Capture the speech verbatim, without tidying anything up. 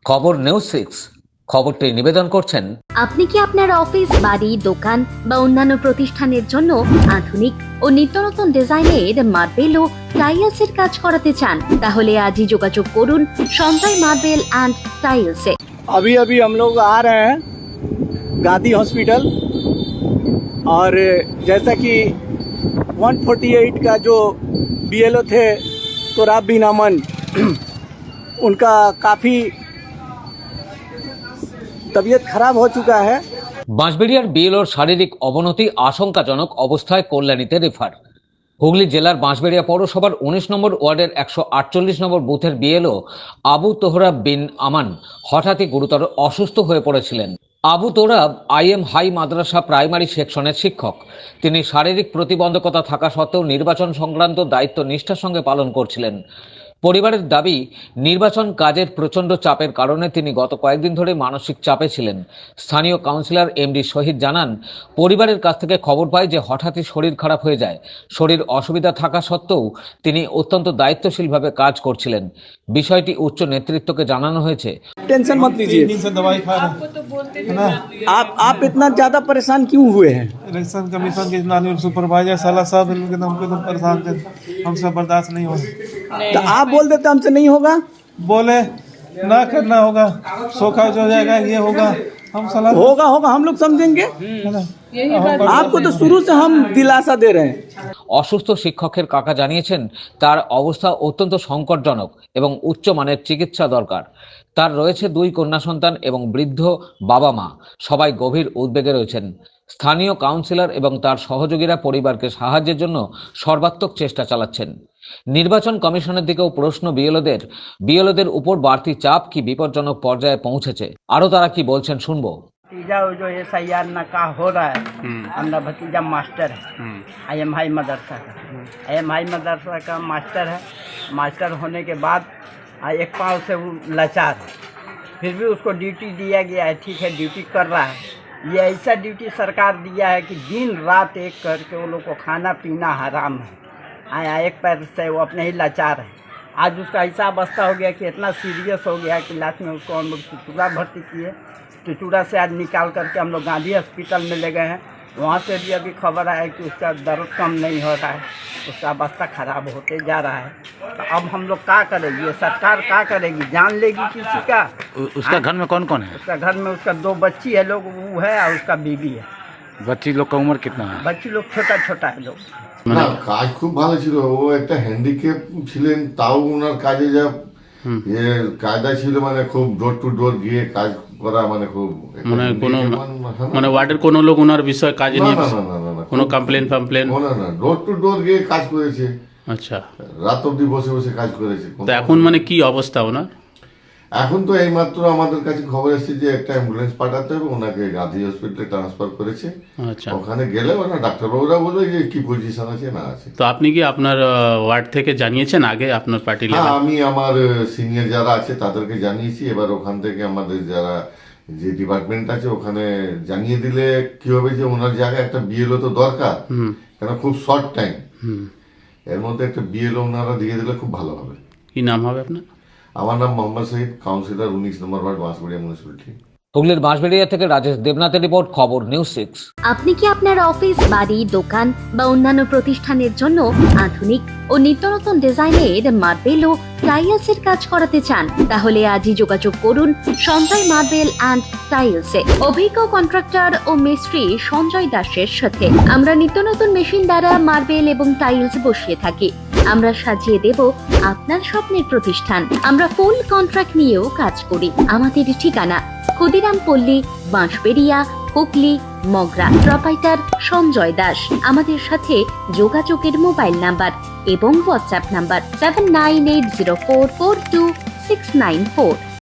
খবর news six খবরটি নিবেদন করছেন। আপনি কি আপনার অফিস, বাড়ি, দোকান বা অন্যান্য প্রতিষ্ঠানের জন্য আধুনিক ও নিত্যনতুন ডিজাইনের মার্বেল ও টাইলসের কাজ করাতে চান? তাহলে আজই যোগাযোগ করুন সঞ্জয় মার্বেল एंड टाइल्स-এ। अभी अभी हम लोग आ रहे हैं गांधी हॉस्पिटल, और जैसा कि एक सौ अड़तालीस का जो बीएलओ थे तुराब बिन अमन, उनका काफ़ी तबीयत खराब हो चुका है। বাঁশবেড়িয়ার বিএলওর শারীরিক অবনতি আশঙ্কাজনক অবস্থায় কল্যাণীতে রেফার। হুগলি জেলার বাঁশবেড়িয়া পৌরসভার উনিশ নম্বর ওয়ার্ডের একশো আটচল্লিশ নম্বর বুথের বিএলও আবু তোহরাব বিন আমান হঠাৎই গুরুতর অসুস্থ হয়ে পড়েছিলেন। Abu Torab IM high madrasa primary সেকশনের শিক্ষক। তিনি শারীরিক প্রতিবন্ধকতা থাকা সত্ত্বেও নির্বাচন সংক্রান্ত দায়িত্ব নিষ্ঠার সঙ্গে পালন করছিলেন। পরিবারের দাবি, নির্বাচন কাজের প্রচণ্ড চাপের কারণে তিনি গত কয়েকদিন ধরে মানসিক চাপে ছিলেন। স্থানীয় কাউন্সিলর এমডি শহীদ জানান, পরিবারের কাছ থেকে খবর পায় যে হঠাৎই শরীর খারাপ হয়ে যায়। শরীর অসুবিধা থাকা সত্ত্বেও তিনি অত্যন্ত দায়িত্বশীলভাবে কাজ করছিলেন। বিষয়টি উচ্চ নেতৃত্বকে জানানো হয়েছে। टेंशन मत लीजिए, दवाई खा रहे तो बोलते है ना। आप आप इतना ज़्यादा परेशान क्यों हुए हैं? इलेक्शन कमीशन के नानी सुपरवाइजर साला साहब इनके नाम पे तो परेशान थे, हमसे बर्दाश्त नहीं हो। तो आप बोल देते हमसे नहीं होगा। बोले ना करना होगा, सोखा हो जाएगा, ये होगा, हम सलाह होगा होगा हम लोग समझेंगे। है ना। आपको तो शुरू से हम दिलासा दे रहे हैं। অসুস্থ শিক্ষকের কাকা জানিয়েছেন, তার অবস্থা অত্যন্ত সংকটজনক এবং উচ্চমানের চিকিৎসা দরকার। তার রয়েছে দুই কন্যা সন্তান এবং বৃদ্ধ বাবা মা, সবাই গভীর উদ্বেগে রয়েছেন। স্থানীয় কাউন্সিলর এবং তার সহযোগীরা পরিবারকে সাহায্যের জন্য সর্বাত্মক চেষ্টা চালাচ্ছেন। নির্বাচন কমিশনের দিকেও প্রশ্ন বিএলওদের বিএলওদের উপর বাড়তি চাপ কি বিপজ্জনক পর্যায়ে পৌঁছেছে, আরও তারা কি বলছেন শুনবো। भतीजा वो जो एस आई आर नका हो रहा है, हमारा भतीजा मास्टर है, आई एम हाई मदरसा का आई एम हाई मदरसा का मास्टर है। मास्टर होने के बाद एक पाँव से वो लाचार है, फिर भी उसको ड्यूटी दिया गया है। ठीक है, ड्यूटी कर रहा है। ये ऐसा ड्यूटी सरकार दिया है कि दिन रात एक करके वो लोग को खाना पीना हराम है। आया एक पैर से वो अपने ही लाचार है। आज उसका ऐसा अवस्था हो गया कि इतना सीरियस हो गया कि लास्ट में उसको हम लोग चुचुड़ा भर्ती किए। चुचुड़ा से आज निकाल करके हम लोग गांधी हॉस्पिटल में ले गए हैं। वहाँ से भी अभी खबर आया कि उसका दर्द कम नहीं हो रहा है, उसका अवस्था खराब होते जा रहा है। तो अब हम लोग क्या करेंगे? ये सरकार क्या करेगी? जान लेगी किसी का? उसका घर में कौन कौन है? उसका घर में उसका दो बच्ची है लोग, वो है, और उसका बीवी है। बच्ची लोग का उम्र कितना है? बच्ची लोग छोटा छोटा है लोग। না, কাজ খুব ভালো ছিল। ও একটা হ্যান্ডিক্যাপ ছিলেন, তাও ওনার কাজে যা এ কায়দা ছিল, মানে খুব ডোর টু ডোর গিয়ে কাজ করা, মানে খুব মানে কোনো মানে ওয়ার্ডের কোনো লোক ওনার বিষয়ে কাজে না নিয়ে না না না না কোনো কমপ্লেন ফামপ্লেন? না না, ডোর টু ডোর গিয়ে কাজ করেছে। আচ্ছা, রাত অবধি বসে বসে কাজ করেছে। তো এখন মানে কি অবস্থা ওনার? এখন তো এইমাত্র আমাদের কাছে খবর এসেছে যে একটা অ্যাম্বুলেন্স পাঠাতে হবে, ওনাকে গান্ধী হসপিটালে ট্রান্সফার করেছে। আচ্ছা, ওখানে গেলে ওনার ডাক্তারবাবুরা বলবে যে কি পজিশন আছে না আছে। তো আপনি কি আপনার ওয়ার্ড থেকে জানিয়েছেন আগে আপনার পার্টি হ্যাঁ, লেভেল? আমি আমার সিনিয়র যারা আছে তাদেরকে জানিয়েছি। এবার ওখান থেকে আমাদের যারা যে ডিপার্টমেন্ট আছে ওখানে জানিয়ে দিলে কি হবে যে ওনার জায়গায় একটা বিএলও তো দরকার, কেন খুব শর্ট টাইম, এর মধ্যে একটা বিএলও ওনারা দিয়ে দিলে খুব ভালো হবে। কি নাম হবে আপনার? আমার নাম মোহাম্মদ শহীদ, কাউন্সিলর উনিশ নম্বর ওয়ার্ড, বাঁশবেড়িয়া মিউনিসিপ্যালিটি। হুগলির বাঁশবেড়িয়া থেকে রাজেশ দেবনাথের রিপোর্ট, খবর নিউজ সিক্স। আপনি কি আপনার অফিস, বাড়ি, দোকান বা অন্যান্য প্রতিষ্ঠানের জন্য আধুনিক ও নিত্যনতুন ডিজাইনের মার্বেল ও টাইলসের কাজ করাতে চান? তাহলে আজই যোগাযোগ করুন সঞ্জয় মার্বেল এন্ড টাইলস-এ। অভিজ্ঞ কন্ট্রাক্টর ও মিস্ত্রি সঞ্জয় দাসের সাথে আমরা নিত্য নতুন মেশিন দ্বারা মার্বেল এবং টাইলস বসিয়ে থাকি। আমরা সাজিয়ে দেব আপনার স্বপ্নের প্রতিষ্ঠান। আমরা ফুল কন্ট্রাক্ট নিয়েও কাজ করি। আমাদের ঠিকানা ক্ষুদিরাম পল্লী, বাঁশবেড়িয়া, হুগলি, মগরা। প্রোপাইটার সঞ্জয় দাস। আমাদের সাথে যোগাযোগের মোবাইল নাম্বার এবং WhatsApp number seven nine eight zero four four two six nine four.